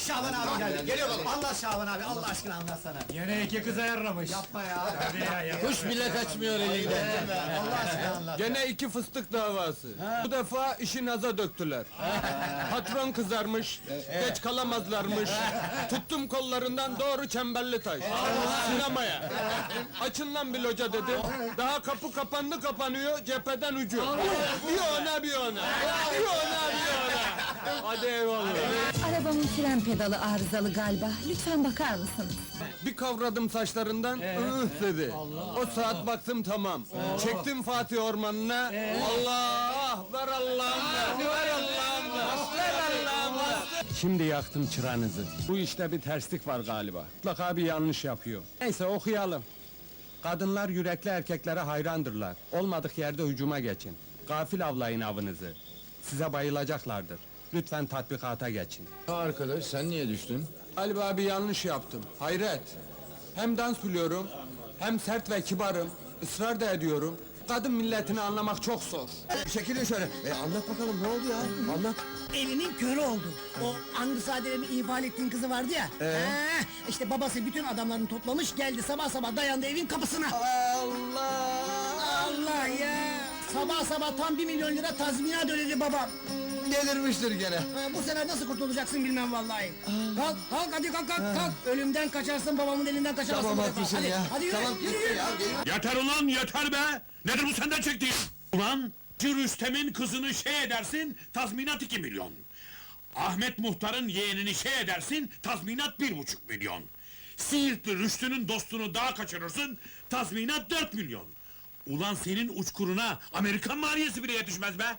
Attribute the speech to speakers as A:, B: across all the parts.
A: Şaban abi geldi. Geliyor baba. Allah Şaban abi, Allah aşkına anlatsana.
B: Yine iki kız ayarlamış.
A: Yapma ya.
B: Hadi ya.
C: Kuş bile kaçmıyor elinden.
A: Allah aşkına anlat.
C: Gene iki fıstık davası. Bu defa işi naza döktüler. Patron kızarmış, geç kalamazlarmış. Tuttum kollarından doğru Çemberlitaş. Sinemaya. Açın lan bir loca dedim. Daha kapı kapandı kapanıyor, cepheden ucu. Bir ona bir ona. Bir ona bir ona. Hadi eyvallah.
D: Arabamın fren pedalı arızalı galiba. Lütfen bakar mısınız?
C: Bir kavradım saçlarından, dedi. O saat baktım tamam. Çektim Fatih Ormanı'na. Allah! Ver Allah'ım ver! Ver Allah'ım ver! Ver Allah'ım ver! Şimdi yaktım çıranızı. Bu işte bir terslik var galiba. Mutlaka bir yanlış yapıyor. Neyse okuyalım. Kadınlar yürekli erkeklere hayrandırlar. Olmadık yerde hücuma geçin. Gafil avlayın avınızı. Size bayılacaklardır. Lütfen tatbikata geçin.
E: Arkadaş sen niye düştün?
C: Galiba bir yanlış yaptım. Hayret. Hem dans biliyorum, hem sert ve kibarım. Israr da ediyorum. Kadın milletini anlamak çok zor.
E: Çekilin şöyle. Anlat bakalım ne oldu ya? Anlat.
F: Elinin körü oldu. O Angusadere'mi ihmal ettiğin kızı vardı ya. İşte babası bütün adamlarını toplamış geldi sabah sabah dayandı evin kapısına.
C: Allah!
F: Allah ya! Sabah sabah tam 1 milyon lira tazminat ödedi babam.
E: Delirmiştir gene.
F: Bu sefer nasıl kurtulacaksın bilmem vallahi. Kalk, kalk hadi kalk, kalk. Ölümden kaçarsın babamın elinden kaçamazsın.
E: Tamam
F: bu defa.
E: haklısın
F: Hadi,
E: ya.
F: hadi yürü,
E: Tamam
F: yürü,
E: gitti
F: yürü.
E: ya. Geliyor.
G: Yeter ulan yeter be! Nedir bu senden çektiğin? Ulan, Rüstem'in kızını şey edersin, tazminat 2 milyon. Ahmet Muhtar'ın yeğenini şey edersin, tazminat 1,5 milyon. Siirtli Rüştü'nün dostunu daha kaçırırsın, tazminat 4 milyon. Ulan senin uçkuruna Amerikan maliyesi bile yetişmez be!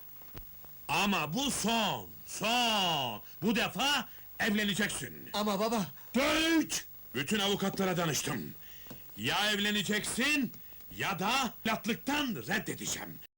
G: Ama bu son, son! Bu defa evleneceksin.
E: Ama baba.
G: Dört! Bütün avukatlara danıştım. Ya evleneceksin, ya da latlıktan reddedeceğim.